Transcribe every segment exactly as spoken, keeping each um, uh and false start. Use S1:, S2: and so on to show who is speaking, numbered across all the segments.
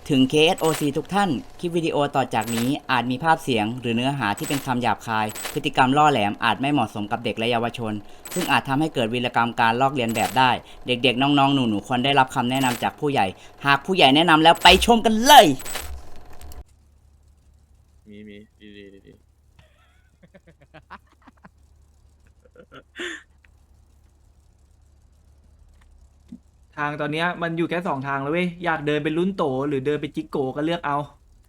S1: ถึง เค เอส โอ ซี ทุกท่าน คลิปวิดีโอต่อจากนี้อาจมีภาพเสียงหรือเนื้อหาที่เป็นคำหยาบคาย พฤติกรรมล่อแหลมอาจไม่เหมาะสมกับเด็กและเยาวชน ซึ่งอาจทำให้เกิดวีรกรรมการลอกเลียนแบบได้ เด็กๆ น้องๆ หนูๆ ควรได้รับคำแนะนำจากผู้ใหญ่ หากผู้ใหญ่แนะนำแล้วไปชมกันเลย
S2: มีมีดีดีดีดี
S3: ทางตอนเนี้ยมันอยู่แค่สองทางแล้วเว้ยอยากเดินเป็นลุ้นโตหรือเดินเป็นจิกโกก็เลือกเอา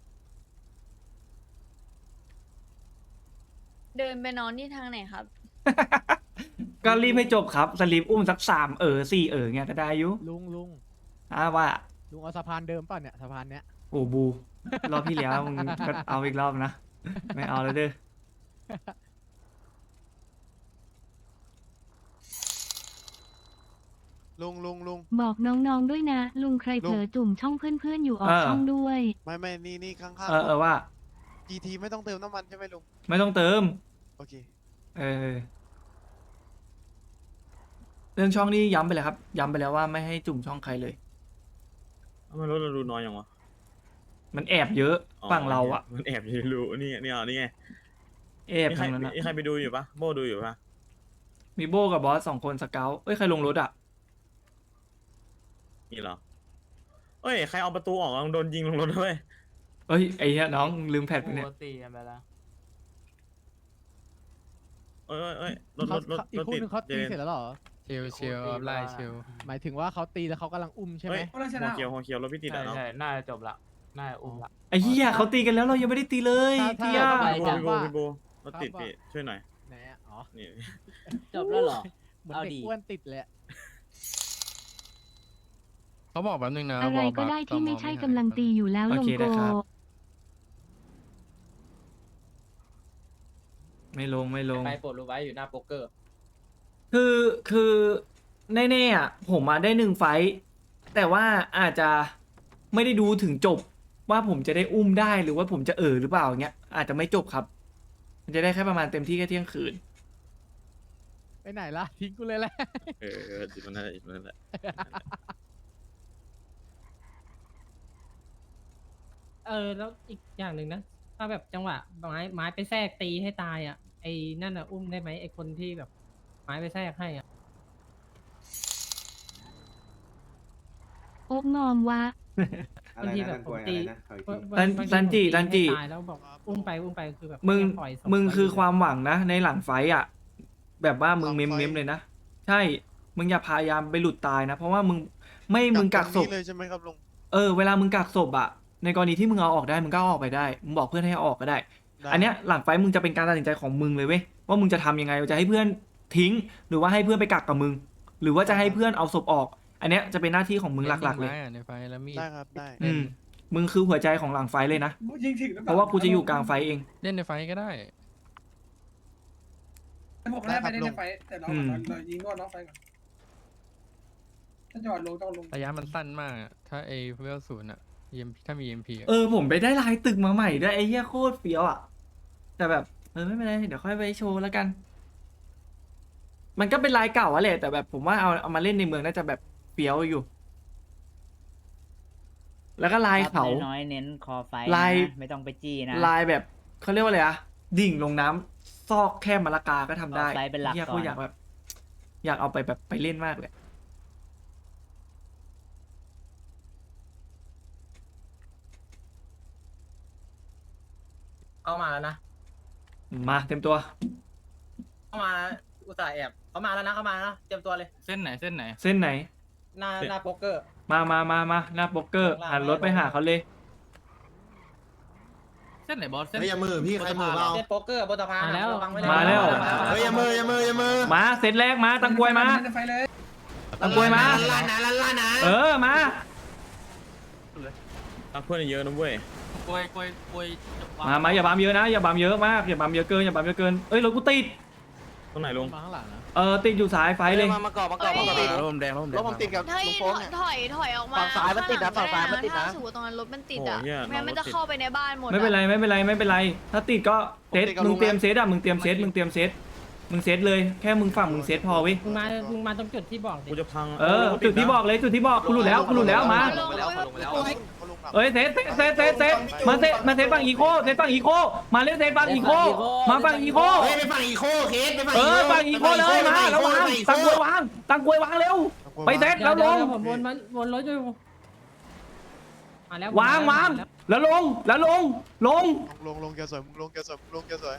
S4: เดินไปนอนที่ทางไหนครับ
S3: ก็รีบให้จบครับสลิปอุ้มสักสามเออสี่เออเงี้ยก็ได้อยุ
S5: ลุงลุง
S3: อ่าว่า
S5: ลุงเอาสะพานเดิมป่ะเนี่ยสะพานเนี้ย
S3: โอ้บูรอบที่แล้วมึงก็เอาอีกรอบนะไม่เอาแล้วเด้อ
S6: ลุงลุงลุง
S7: บอกน้องๆด้วยนะ ลุงใครเผลอจุ่มช่องเพื่อนๆอยู่ออกช่องด้วย
S6: ไม่ไม่นี่นี่ข้าง
S3: เออเออว่า
S6: ๆ จี ที ไม่ต้องเติมน้ำมันใช่ไหมลุง
S3: ไม่ต้องเติม
S6: โอเค
S3: เออเรื่องช่องนี้ย้ำไปเลยครับ ย้ำไปแล้วว่าไม่ให้จุ่มช่องใครเลย
S2: ทำไมรถเราดูน้อยอย่างวะ
S3: มันแอบเยอะฝั่งเราอะ
S2: มันแอบอยู่รู้นี่นี่อ่ะนี่ไง
S3: แอบ
S2: มีใคร
S3: ทางนั้นอะ
S2: มีใครไปดูอยู่ปะโบดูอยู่ปะ
S3: มีโบกับบอสสองคนสเกลเอ้ยใครลงรถอะ
S2: นี่เหรอเอ้ยใครเอาประตูออกลองโดนยิงลงรถด้วย
S3: เอ้ยไอ้เหี้ยน้องลืมแพดไปเนี่ย
S8: ตีกันไปแล้ว
S2: เอ้ยเอ้ยเอ้ยรถร
S5: เขา
S2: ถรถ
S5: อี
S2: ร
S5: ก
S2: ถ
S5: คู่
S2: ติด
S5: หนึงเขาตีเสร็จแล้วเหรอ
S8: ชิวชิวไล่ชิว
S5: หมายถึงว่าเขาตีแล้วเขากำลังอุ้มใช่ไหม
S2: เฮ้ยหัวเขียวหัวเขียวรถพี่ติด
S8: ใช่
S2: อ่ะเนาะ
S8: ใช่น่าจะจบละน่าจะอุ้มละ
S3: ไอ้เหี้ยเขาตีกันแล้วเรายังไม่ได้ตีเลย
S5: ถ้า
S3: เที่ย
S5: ถ้า
S2: พี่โบพี่โบพี่โบรถติด
S5: ครับ
S2: พี่ช่วยหน่อย
S5: ไหนอะอ๋อ
S2: นี่
S1: จบแล้วเหรอ
S5: เหมือน
S1: เอา
S5: เด็ก
S1: ดี
S5: อ้วนติดเลยอะ
S8: เขาบอกแป๊บนึงนะ
S7: อะไรก็ได้ที่ไม่ใช่กำลังตีอยู่แล้ว
S3: โอ
S7: ลง
S3: เค
S7: โก
S3: ได้ครับ ไม่ลงไม่ลง
S8: ไปปลดรู้ไว้อยู่หน้าโป๊กเกอร์
S3: คือคือแน่ๆอ่ะผมมาได้หนึ่งไฟท์แต่ว่าอาจจะไม่ได้ดูถึงจบว่าผมจะได้อุ้มได้หรือว่าผมจะเออหรือเปล่าเงี้ยอาจจะไม่จบครับ มันจะได้แค่ประมาณเต็มที่แค่เที่ยงคืน
S5: ไปไหนล่ะทิ้งกูเลยแหละ
S2: เออเออจิตมันนั่นแหละจิตมันนั่นแหละ
S9: เออแล้วอีกอย่างหนึ่งนะถ้าแบบจังหวะไม้ไม้ไปแทรกตีให้ตายอ่ะไอ้นั่นอ่ะอุ้มได้ไหมไอ้คนที่แบบไม้ไปแทรกให้อ่ะ
S7: โอ๊กงอมวะ
S9: บางทีแบบผมตี
S3: ซันซันจิซันจิ
S9: ตายแล้วบอกอุ้มไปอุ้มไปคือแบบ
S3: มึง
S9: แค่ปล่อยศพ
S3: มึง
S9: ไว้
S3: คือ
S9: ยู่
S3: ความหวังนะในหลังไฟท์อ่ะแบบว่ามึง
S6: หลัง
S3: เมม
S6: ไฟท์
S3: เมมเลยนะใช่ มึงอย่าพยายามไปหลุดตายนะ เพราะว่ามึงไม่มึงกักศ
S6: ตร
S3: พ
S6: นี้เลยใช่ไหมครับลุง
S3: เออเวลามึงกักศพอ่ะในกรณีที่มึงเอาออกได้มึงก็เอาออกไปได้มึงบอกเพื่อนให้เอาออกก็ได้
S6: ได้
S3: อันเนี้ยหลังไฟท์มึงจะเป็นการตัดสินใจของมึงเลยเว้ยว่ามึงจะทำยังไงจะให้เพื่อนทิ้ง หรือว่าให้เพื่อนไปกักกับมึง หรือว่าจะให้เพื่อนเอาศพออก อันเนี้ยจะเป็นหน้าที่ของมึงหลักๆเลย
S8: ในไฟแล้วมีด
S6: ได้ครับได้
S3: อืมมึงคือหัวใจของหลังไฟท์เลยนะเพราะว่ากูจะอยู่กลางไฟท์เอง
S8: เล่นในไฟก็ได้
S10: ผมได้ไปได้ในไฟแต่เรา
S3: อืม
S10: เรายิงก่อนน้องไฟก่อนถ้าจอดลงต้องลง
S8: ระยะมันสั้นมากอะถ้าไอเวลศูนย์อะ E M ถ้ามี E M P อะ
S3: เออผมไปได้ลายตึกมาใหม่ด้วยไอ้เหี้ยโคตรเฟี้ยวอ่ะแต่แบบเออไม่เป็นไรเดี๋ยวค่อยไปโชว์แล้วกัน มันก็เป็นลายเก่าอะแหละแต่แบบผมว่าเอาเอามาเล่นในเมืองน่าจะแบบเฟี้ยวอยู่ แล้วก็ลายเขา
S1: น้อยๆเน้นคอไฟ
S3: ลาย
S1: นะไม่ต้องไปจี้นะ
S3: ลายแบบเขาเรียกว่าอะไรอะดิ่งลงน้ำซอกแค่มะละกาก็ทำได้
S1: เอาไซส์เป็นหลัก
S3: เหี้ย
S1: ก่อน
S3: กูอยากแบบ อยากเอาไปแบบไปเล่นมากเลย
S9: เข้ามาแล้วนะ
S3: มาเต็มตัว
S9: เข้ามาอุตส่าห์แอบเขามาแล้วนะเข้ามาแล้วเตรียมตัวเลย
S8: เส้นไหนเส้นไหน
S3: เส้นไหน
S9: หน้าหน้าโป๊กเกอร์
S3: มามามามาหน้าโป๊กเกอร์หันรถไปหาเขาเลย
S8: เส้นไหนบอสเส้น
S6: เฮ้ยอย่ามือพี่ใครมือเปล่า
S9: เล่นโป๊กเกอร์บนสะพาน
S1: มาแล้ว
S9: ระงไเลย
S3: มาแล้ว
S6: เฮ้ยอย่ามืออย่ามืออย่ามือ
S3: มาเซตแรกมาตังกวยมา
S10: เล่นในไฟเลย
S3: ตังกวยมา
S6: ล้านนะล้านล้านนะ
S3: เออมา
S2: รักเพื่อนเยอะนะเว้ย
S8: กลวยกลวยกลวย
S3: มามาอย่าบามเยอะนะ อย่าบามเยอะมากอย่าบามเยอะเกินอย่าบามเยอะเกินเอ้ยรถกูติด
S2: ตรงไหนลุง
S5: มาข้างหลังนะ
S3: เออติดอยู่สายไฟเลย
S6: มามาก่อนมาก่อนมาก่อน
S8: ร่มแดงร่มแด
S6: รง ถผมติดกับ
S4: ถอย
S6: ลุง
S4: ถ
S6: โป๊ก
S4: อย
S6: เนี่ย
S4: ถอยถอยออกมา
S6: ฝั่งซ้ายมันติดนะ
S4: ข้
S6: ฝั่งซ้ายมันติดนะ
S4: ถ้าสมมติตรงนั้นรถมันติดอ่ะ
S2: โอ้เหี้ย
S4: ไม่งั้นมัน
S2: รถติด
S4: จะเข้าไปในบ้านหมดอะ
S3: ไม่เป็นไรไม่เป็นไรไม่เป็นไร ถ้าติดก็เซตมึงเตรียมเซตอ่ะมึงเตรียมเซตมึงเตรียมเซตมึงเซตเลยแค่มึงฝั่งมึงเซตพอเว้ย
S9: มึงมามึงมาตรงจุดที่บอกดิ
S2: กูจะพัง
S3: เออจุดที่บอกเลยจุดที่บอกกูหลุดแล้วกูหลุดแล้วมา
S4: ลงแล้ว
S6: เขาลงเขาลง
S3: เอ้ยเซตเซตเซตเซตมาเซตมาเซตฝั่งอีโคเซตฝั่งอีโคมาเล่นเซตฝั่งอีโคมาฝั่งอีโค
S6: เฮ้ยไปฝั่งอีโคเคสไปฝั่ง
S3: เออฝั่งอีโคเลยมาแล้ววางตังกวยวางตังกวยวางเร็วไปเซตแล้วลง
S9: เดี๋ยผมวนมันวนรถอยู่มาแล้ว
S3: วางวางแล้วลงแล้วลงลง
S10: ลงลงแกสวยมึงลงแกสวยมึงลงแกสวย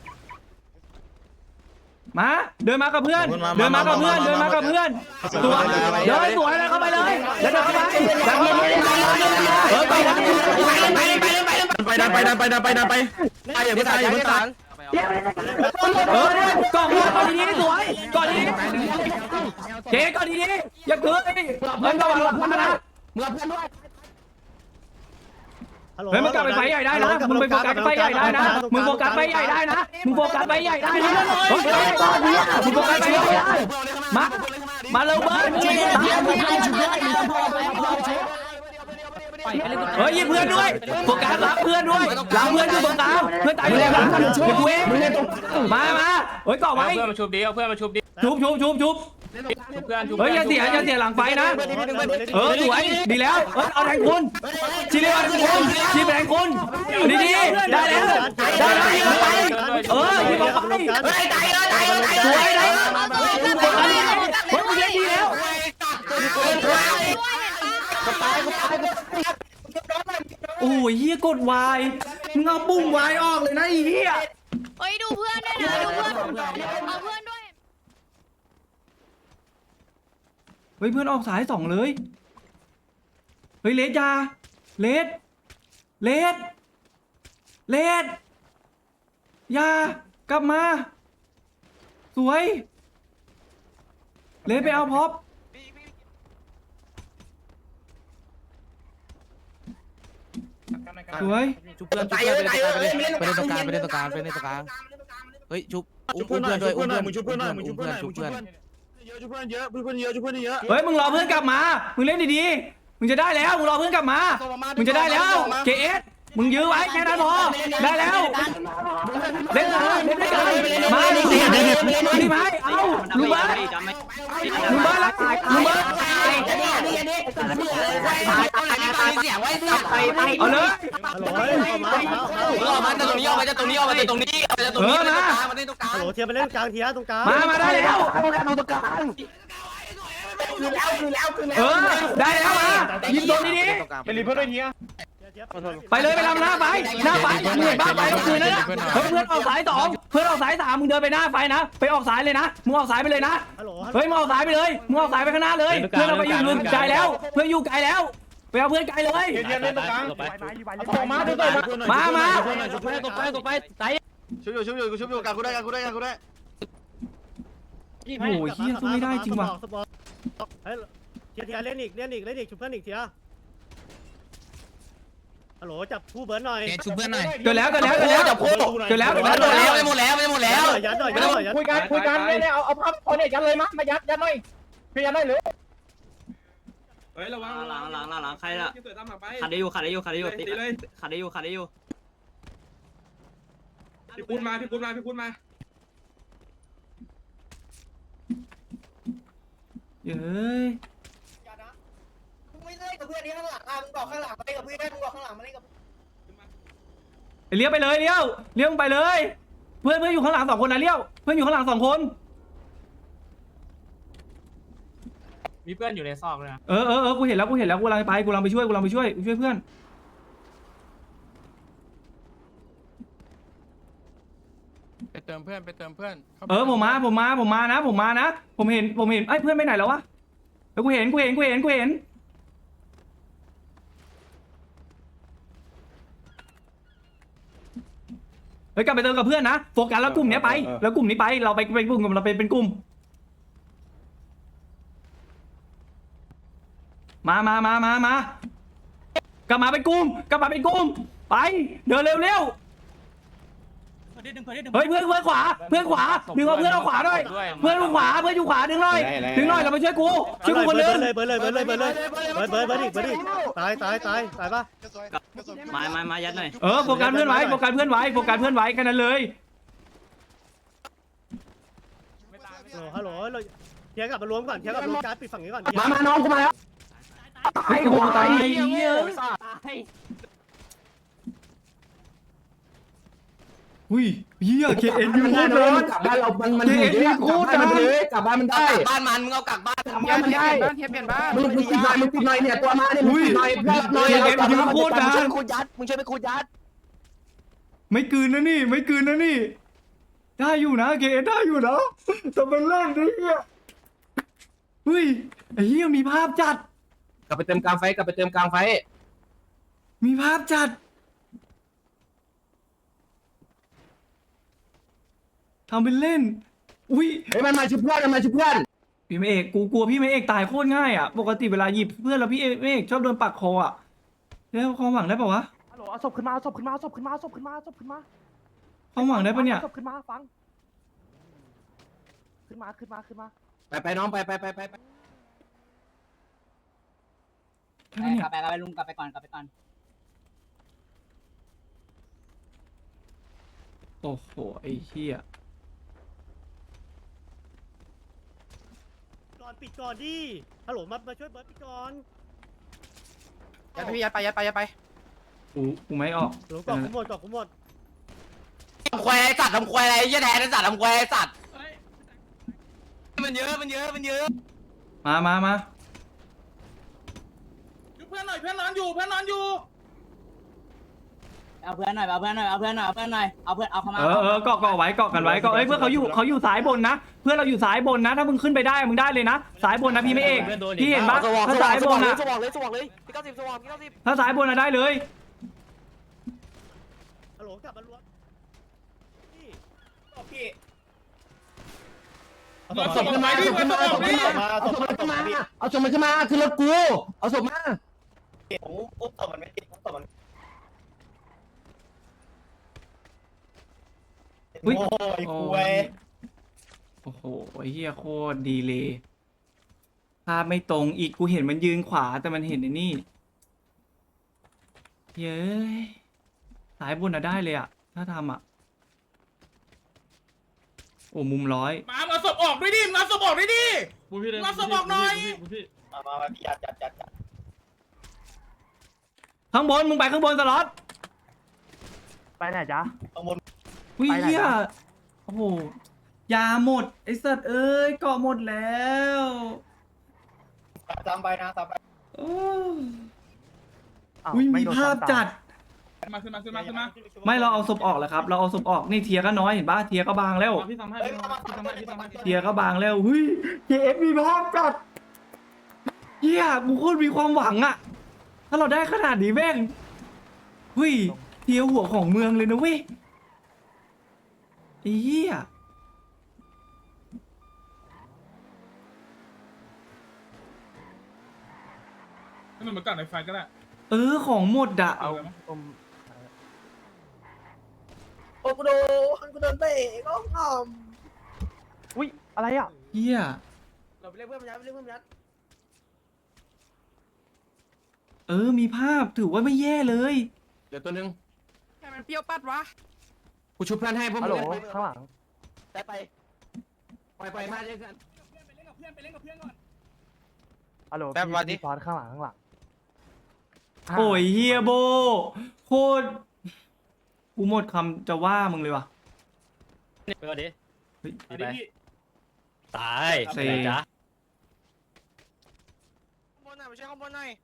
S3: มาเดินมากับเพื่อนเดินมากับเพื่อนเดินมากับเพื่อนสวยเดินสวยเลยเข้าไปเลยเดินเข้าไปเออไปนะ
S2: ไปดันไปดันไปดันไปดันไปไปอย่าเพิ่งตายอย่าเพิ่งตาย
S3: เออก่อนก่อนดีๆสวยก่อนดีเจ๊ก่อนดีๆอย่าเกินเฮ้ยระวังหลังนะเฮ้ยมึงกลับไปไฟใหญ่ได้นะมึงไปโฟกัสไฟใหญ่ได้นะมึงโฟกัสไฟใหญ่ได้นะมึงโฟกัสไฟใหญ่ได้นะมึงโฟกัสไฟใหญ่ได้มามาเร็วเบิร์ดเฮ้ยยิงเพื่อนด้วยโฟกัสหลังเพื่อนด้วยหลังเพื่อนอยู่ตรงกลางเพื่อนตายอยู่ในหลังชุบเว้ยมามาเฮ้ยก่อไว้
S2: เพื่อนมาชุบดิเอาเพื่อนมาชุบดิ
S3: ชุบชุบชุบชุบ
S2: ชุบเพื่อนชุบ
S3: เฮ้ยอย่าเสียอย่าเสียหลังไฟนะเออสวยดีแล้วเออเอาแทงคุณชีเรียนคุณชีแทงคุณดีดีได้แล้วได้แล้วยิงไปเออยิงไปเฮ้ยตายเลยตายเลยสวยเลยเฮ้ยมึงเล่นดีแล้วโอ้ยเฮียกดวายมึงเอาปุ่มวายออกเลยนะไอ้เฮีย
S4: เฮ้ยดูเพื่อนด้วยนะดูเพื่อนเอาเพื่อนด้วย
S3: เฮ้ยเพื่อนออกสายสองเลยเฮ้ยเลสยาเลสเลสเลสยากลับมาสวยเลสไปเอาพ็อปสวย
S6: ชุบเพื่อนชุบเพื่อนไปเล่นตรงกลางไปเล่นตรงกลางไปเล่นตรงกลางเฮ้ยชุบอุ้มเพื่อนด้วยอุ้มเพื่อน
S2: มึงชุบเพื่อนหน่อยมึงชุบเพื่อนหน่อย
S6: ชุ
S2: มึ
S6: บ
S2: งชุบ
S6: เพื่อน
S2: เพื่อนเยอะชุบเพื่อนเยอะเพื่อนเยอะชุบเพื่อนเยอะ
S3: เฮ้ยมึงรอเพื่อนกลับมามึงเล่นดีๆมึงจะได้แล้วมึงรอเพื่อนกลับมามึงจะได้แล้วเกเอสมึงยื้อไว้แค่นั้นพอได้แล้วเล่นเลยเล่นด้วยกันมาดิดิไหมเอาลุงเบิร์ดลุงเบิร์ดละลุงเบิร์ดเอาเลย
S2: ฮัลโหลออกมาจากตรงนี้ออกมาจากตรงนี้ออกมาจากตรงนี้ออกมาจากตรง
S3: เอ
S2: นี้
S3: อมา
S2: มาเล่นตรงกลางฮัลโหลเทียบไปเล่นกลางเทียตรงกลาง
S3: มามาได้แล้วเออได้แล้วมายิงโดนดีๆ
S2: ไปรีเพื่อนด้วยเทีย
S3: ไปเลยไปทำหน้าไฟหน้าไฟมึงเห็นบ้าไฟก็คือนั่นนะเฮ้ยเพื่อนออกสายสองเพื่อนออกสายสามมึงเดินไปหน้าไฟนะไปออกสายเลยนะมึงออกสายไปเลยนะ
S2: ฮัลโหล
S3: เฮ้ยมึงออกสายไปเลยมึงออกสายไปข้างหน้าเลยเพื่อนเราไปอยู่ลุนไกลแล้วเพื่อนอยู่ไกลแล้วไปเอาเพื่อนไกลเลย
S2: เทียเล่นตรงกลาง
S3: มาดูตัวมามา
S2: ชุบเพื่อนตกไปตกไปไต่ชุบอยู่ชุบอยู่ชุบอยู่กลางกูได้กลางกูได้กลางกูได้
S3: โอ้ยเฮียสู้ไม่ได้จริงว่ะ
S2: เฮ้ยเทียเทียเล่นอีกเล่นอีกเล่นอีกชุบเพื่อนอีกเทียฮัลโหลจับคู่เบิร์นหน่อย
S6: ชุบเพื่อนหน่อย
S3: เกิดแล้วเกิดแล้วเกิดแล้วเกิดแล้วเกิดแล้ว
S6: ไม่หมดแล้วไม่หมดแล้ว
S2: ยัดหน่อยยัดหน่อยยัด
S5: คุยกันคุยกันเนี่ยเอาเอาพับเอาเนี่ยยัดเลยมั้ยมายัดยัดหน่อยพี่ยัดหน่อยเลย
S2: เฮ้ยระวัง
S1: หลังหลังหลังหลังใครละขัดได้อยู่ขัดได้อยู่ขัดได้อยู่ติขัดได้อยู่ขัดได้อยู่
S2: พี่คุณมาพี่คุณมาพี่คุณมา
S3: เฮ้ย
S5: มึงไม่เล่นกับเพื่อนนี้ข้างหลังอ่ะมึงบอกข้างหลังมาเล่นกับเพื่อนมึงบอกข้างหลังมาเล่นกับ
S3: เลี้ยวไปเลยเลี้ยวเลี้ยวไปเลย เพื่อนเพื่อนอยู่ข้างหลังสองคนนะเลี้ยวเพื่อนอยู่ข้างหลังสองคน
S2: มีเพื่อนอยู่ในซอกเลยนะ
S3: เออเออเออกูเห็นแล้วกูเห็นแล้วกูกำลังไปกูกำลังไปช่วยกูกำลังไปช่วยช่วยเพื่อน
S8: ไปเติมเพื่อนไปเติมเพื่อนข้าไป
S3: เออผมมาผมมาผมมานะ ผมมานะผมเห็นผมเห็นไอ้ยเพื่อนไปไหนแล้ววะแล้วกูเห็นกูเห็นกูเห็นกูเห็นเฮ้ยกลับไปเติมกับเพื่อนนะโฟกัสแล้วกลุ่มเนี้ยไปแล้วกลุ่มนี้ไปเราไปเป็นกลุ่มเราไปเป็นกลุ่มมามามามามากลับมาเป็นกลุ่มกลับมาเป็นกลุ่มไปเดินเร็วเร็วเฮ้ยเพื่อนเพื่อนขวาเพื่อนขวาดึงเอาเพื่อนเอาขวาหน่อยเพื่อนอยู่ขวาเพื่อนอยู่ขวาดึงหน่อยดึงหน่อยเรามาช่วยกูช่วยกูคนนึง
S2: เลยเบิร์เลยเบิร์เลยเบิร์เลยเบิร์เบิร์เบิร์อีกเบิร์อีกตายตายตายตายปะ
S1: มามามายัดหน่อย
S3: เออโฟกัสเพื่อนไว้โฟกัสเพื่อนไว้โฟกัสเพื่อนไว้แค่นั้นเลย
S2: ฮัลโหลฮัลโหลเทียกลับมารวมก่อนเทียกลับมารวมการปิดฝั่งนี้ก่อน
S5: มามาน้องกูมาแล้ว
S3: เฮ้ยกูตายไอ้เหี้ยอุ้ยเหี้ยเคเอ็นยู
S2: มัน
S3: โค
S2: ได้
S3: ตร
S2: นะ
S3: ดัง
S2: กลับบ้านเรามันมัน
S3: เคเอ็นยูโคตรดัง
S2: กลับบ้านมันได้
S6: บ้านมันมึงเอากลับบ้าน
S2: กลับบ้านมันได้
S6: เทียบเปลี่ยนบ้าน
S2: มึงมึงปิดหน่อยมึงปิดหน่อยเนี่ยตัวมาเนี่ยมึงปิดหน่อยเพื่อนหน่อย
S3: เคเอ็นยูโคตรดัง
S6: คูยัดมึงช่วยไปคูยัด
S3: ไม่กลืนนะนี่ไม่กลืนนะนี่ได้อยู่นะเคเอ็นได้อยู่นะแต่เป็นเล่นดิเนี่ยเฮ้ยไอ้เหี้ยมีภาพจัด
S2: กลับไปเติมกลางไฟกลับไปเติมกลางไฟ
S3: มีภาพจัดทำเป็นเล่นอุ้ย
S2: เฮ้ยมันมาชุบเพื่อนมันมาชุบเพื่อน
S3: พี่ไม่เอกกูกลัวพี่ไม่เอกตายโคตรง่ายอ่ะปกติเวลาหยิบเพื่อนแล้วพี่ไม่เอกชอบโดนปักคออ่ะแล้วความหวังได้ปะวะ
S5: ฮัลโหลเอาศพขึ้นมาเอาศพขึ้นมาเอาศพขึ้นมาเอาศพขึ้นมาเอาศพขึ้นมา
S3: ความหวังได้ปะเนี่ย
S5: อาศพขึ้นมาฟังขึ้นมาขึ้นมาขึ้นมา
S2: ไปไปน้องไปไปไปไป
S3: ได้ปะเนี่ย
S1: กลับไปกลับไปลุงกลับไปก่อนกลับไปก่อน
S3: โอ้โหไอ้เหี้ย
S5: ก่อนปิดก่อนดิฮัลโหลมามาช่วยเบิร์ดปิดก่อน
S6: ยัดไปยัดไปยัดไปยัดไป
S3: กูกูไม่ออก
S5: หลงก่อนกูหมดก่อนกูหมด
S6: ทำควายสัตว์ทำควายอะไรยี่แทนสัตว์ทำควายสัตว์มันเยอะมันเยอะมันเยอะ
S3: มามามา
S2: เพื่อนหน่อยเพื่อนนอนอยู่เพื่อนนอนอยู่
S1: เอาเพื่อนหน่อยเอาเพื่อนหน่อยเอาเพื่อนหน่อยเอาเพื่อนหน่อยเอาเพื่อนเอาเข้ามา
S3: เออเออเกาะเกาะไว้เกาะกันไว้เกาะเอ้ยเพื่อนเขาอยู่เขาอยู่สายบนนะเพื่อนเราอยู่สายบนนะถ้ามึงขึ้นไปได้มึงได้เลยนะสายบนนะพี่ไม่เอกพี่เห็นปะถ้าสายบนนะ
S6: สว่างเลยสว่างเลยพี่เก้าสิบสว่างพี่เก้าสิบ
S3: ถ้าสายบนนะได้เลย
S5: ฮัลโหลกลับมารวมพี่ตอบพี่
S2: เอาศพขึ้นมาเอาศพขึ้นมาเอาศพขึ้นมาเอาศพขึ้นมาเอาศพมันขึ้นมาคือรถกูเอาศพมา
S5: ผมอุ้มศพมันไม่ติดอุ้มศพมัน
S3: อุ๊ย
S5: โอ้ยคุย
S3: โอ้โหไอ้เหี้ยโคตรดีเลยภาพไม่ตรงอีกกูเห็นมันยืนขวาแต่มันเห็นไอ้นี่เย้ยสายบนอะได้เลยอะถ้าทำอะโอ้มุมร้อย
S2: มาเอาศพออกด้วยดิมาเอาศพออกด้วยดิ
S8: รับสมองหน่อย
S5: มามามาพี่ยัดยัดยัดยัด
S3: ข้างบนมึงไปข้างบนสล็อต
S5: ไปไหนจ๊ะข้างบน
S3: วิ
S5: ไปไหน
S3: เหี้ย
S5: นะ
S3: โอ้โหยาหมดไอ้สัตว์เอ้ยเกาะหมดแล้ว
S5: ตามไปนะตามไป
S3: โอ้วิมีภาพจัด
S2: มาขึ้นมาขึ้นมาขึ้นมา
S3: ไม่เราเอาศพออกแล้วครับ เราเอาศพออกนี่เทียก็น้อยเห็นปะเทียก็บางแล้ว
S2: พี่ทำให้
S5: เฮ้ย
S2: พี่
S5: มา
S2: ทำ
S5: มา
S2: ให้พี่ทำให้พี่ทำให้
S3: เทียก็บางแล้วเฮ้ยเคเอฟมีภาพจัดเฮียกูโคตรมีความหวังอะถ้าเราได้ขนาดนี้แม่งเฮ้ยเทียหัวของเมืองเลยนะเว้ยไอ้เฮีย
S2: ให้มันมากัดในไฟก็ได้
S3: เออของหมดอะ
S2: เอา
S5: โอ้กูโดนกูโดนเตะก็งอมอุ้ยอะไรอ่ะ
S3: เฮีย
S5: เราไปเรียกเพื่อนมายัดไปเรียกเพื่อนมายัด
S3: เออมีภาพถือว่าไม่แย่เลย
S2: เดี๋ยวตัวนึง
S6: แค่มันเปรี้ยวปัดวะ
S2: กูชุบเพื่อนให้พวกมึง
S5: ข้างหลัง
S6: ได้ไป
S2: ปล่อยปล่อยมาเจอกัน
S5: ฮัลโหล
S6: แป๊บวันนี้
S5: พี่ซ้อนข้างหลังข้างหลัง
S3: โอ้ยเฮียโบโคตรกูหมดคำจะว่ามึงเลยว่ะ
S10: ไปก่อนดิ
S3: เฮ้ย
S10: ไปตาย
S3: เซ่
S10: ไปไหนจ๊ะ
S6: ข้างบนหน่อยไปช่วยข้างบนหน่อย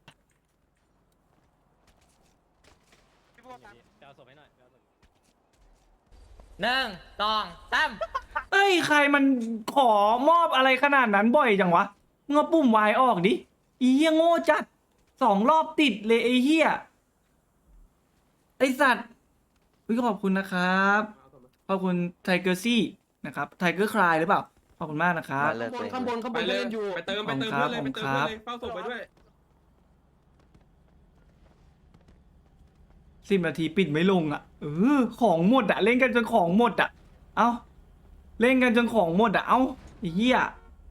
S6: พี่พวก
S10: ไปเอาศพให้หน่อยไปเอาศพหนึ่งสองสาม
S3: เอ้ยใครมันขอมอบอะไรขนาดนั้นบ่อยจังวะมึงเอาปุ่มวายออกดิอีเหี้ยโง่จัดสองรอบติดเลยไอ้เหี้ยไอสัตว์พี่ขอบคุณนะครับขอบคุณไทเกอร์ซี่นะครับไทเกอร์คลายหรือเปล่าขอบคุณมากนะครับ
S2: ข้างบนข้างบนเล่นอยู่
S8: ไปเติมไปเติมเพื่อนเลยไปเติมเพื่อนเลยเฝ้าศพไปด้วย
S3: สิบนาทีปิดไม่ลงอ่ะเออของหมดอ่ะเล่นกันจนของหมดอ่ะเอ้าเล่นกันจนของหมดอ่ะเอ้าไอ้เหี้ย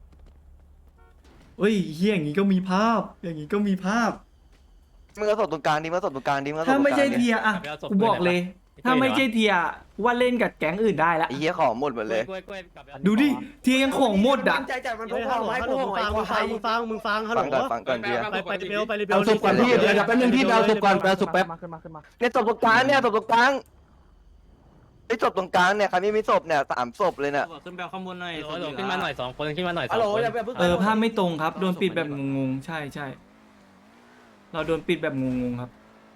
S3: เอ้ยเหี้ยอย่างงี้ก็มีภาพ อย่างงี้ก็มีภาพ
S6: มึงเอาศพตรงกลางดิมึงเอาศพตรงกลางดิมึงเอาศพต
S3: ถ้า
S6: รงกลาง
S3: ไม่ใช่
S6: ดิ
S3: เทียอ่ะกูบอกเลยถ้าไม่ใช่เทียว่าเล่นกับแก๊งอื่นได้ละ
S6: ไอ้เหี้ยของหมดหมดเลย
S3: ดูดิเทียยังของหมดอ่ะ
S5: ตั้งใจจัดมันพกพาไม้พกไม้พกไม้มึงฟังมึงฟังฮัลโหล
S6: ฟังก่อนฟังก่อนเบียร์
S5: ไปไปเบลไปเบล
S2: เอาศพก่อนพี่เดี๋ยวเดี๋ยวแป๊บนึงพี่เอาศพก่อนเอาศพแป๊บ
S5: ขึ้นมาขึ้นมา
S6: เนี่ยศพตรงกลางเนี่ยศพตรงกลางไอ้ศพตรงกลางเนี่ยใครไม่มีศพเนี่ยสามศพเลยเนี่ย
S10: ขึ้นไปข้างบนหน่อยขึ้นมาหน่อยสองคนขึ้นมาหน่อยสอ
S5: ฮัล
S10: ง
S5: โหล
S10: คน
S5: อย่าเพิ่ง
S3: เออภาพไม่ตรงครับโดนปิดแบบงงๆใช่ใช่เราโดนปิดแบบงงๆครับ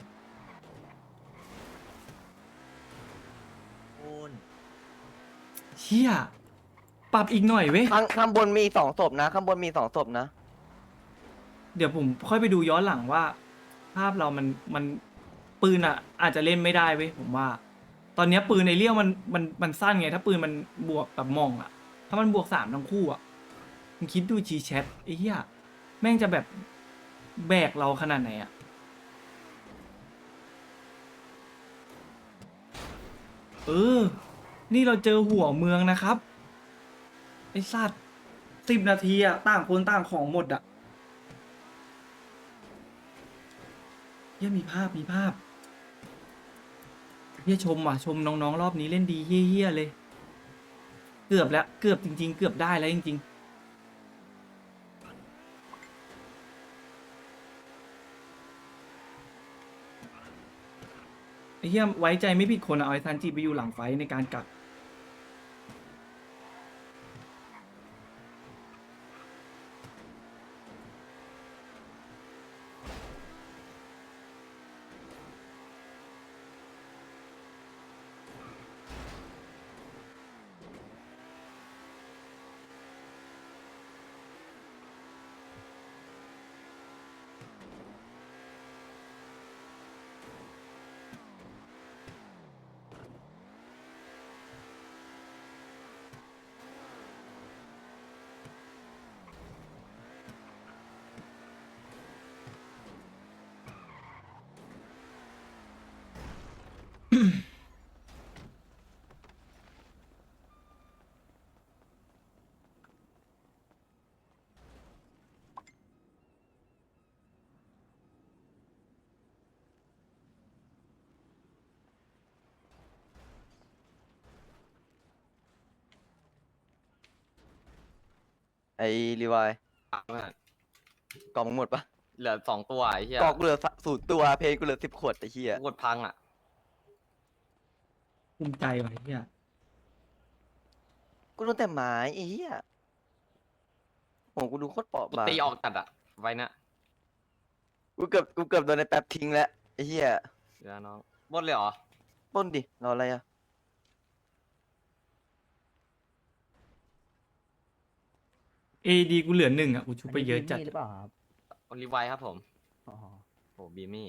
S3: เชี่ยปรับอีกหน่อยเว้ย
S6: ข้างข้างบนมีสองศพนะข้างบนมีสองศพนะ
S3: เดี๋ยวผมค่อยไปดูย้อนหลังว่า ภาพเรามันมันปืนอ่ะ อาจจะเล่นไม่ได้เว้ยผมว่า ตอนเนี้ยปืนในเลี้ยวมันมันมันสั้นไง ถ้าปืนมันบวกแบบมองอ่ะ ถ้ามันบวกสามทั้งคู่อ่ะมึงคิดดูจีแชทไอ้เหี้ยแม่งจะแบบแบกเราขนาดไหนอ่ะเออ นี่เราเจอหัวเมืองนะครับไอ้สัตว์สิบนาทีอ่ะต่างคนต่างของหมดอ่ะเฮียมีภาพมีภาพเฮียชมว่ะชมน้องๆรอบนี้เล่นดีเฮี้ยๆเลย เกือบแล้วเกือบจริงๆ เกือบได้แล้วจริงๆไอ้เฮียไว้ใจไม่ผิดคนอะเอาไอ้ทันจีไปอยู่หลังไฟในการกัก
S6: ไอ้รีวายกล่องมึงหมดปะ
S10: เหลือสองตัวไอ้เหี้ย
S6: กล่องกูเหลือสูตรตัวเพลงกูเหลือสิบขวดไอ้เหี้ย
S10: กดพังอ่ะ
S3: ภูมิใจว่ะไอ้เฮีย
S6: กูโดนแต่ไม้ไอ้เหี้ยโอ้กูดูโคตรเปราะบาง
S10: ตีออกตัดอ่ะไว้นะ
S6: กูเกือบกูเกือบโดนในแป๊บทิ้งแล้วไอ้เหี้ย
S10: เดี๋ยวน้องบดเลยเหรอ
S6: ปล้นดิรออะไรอะ
S3: เอดีกูเหลือหนึ่งอ่ะกูชุบไปเยอะจัด
S5: หรือเปล่าครับ
S10: อลิไวครับผม
S5: อ๋อ
S10: โอ้บีมี่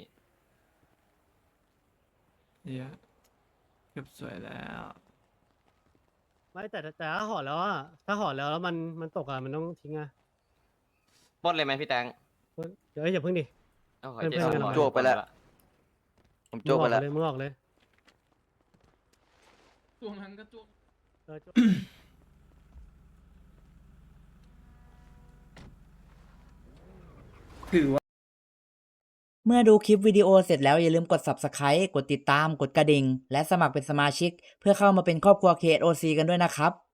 S3: เฮียเก็บสวยแล้ว
S5: ไม่แต่แต่ถ้าห่อแล้วอะถ้าห่อแล้วแล้วมันมันตกอะมันต้องทิ้งอะ
S10: บดเลยไหมพี่แตง
S5: เดี๋ยวอย่าเพิ่งดิ
S10: โอ้โห
S5: เพื่อน
S10: เจ๊
S5: เพื่อน
S10: สอง
S5: กัน
S10: ร้อย
S6: โจกไปแล้วผมโจกไปแล้ว
S5: มึงออกเลย
S8: ช่วงนั้นก็ช่วง
S5: มึงออกเลยเออ
S3: ถือว่า
S1: เมื่อดูคลิปวิดีโอเสร็จแล้วอย่าลืมกด ซับสไครบ์ กดติดตาม กดกระดิ่ง และสมัครเป็นสมาชิก เพื่อเข้ามาเป็นครอบครัว เค เอส โอ ซี กันด้วยนะครับ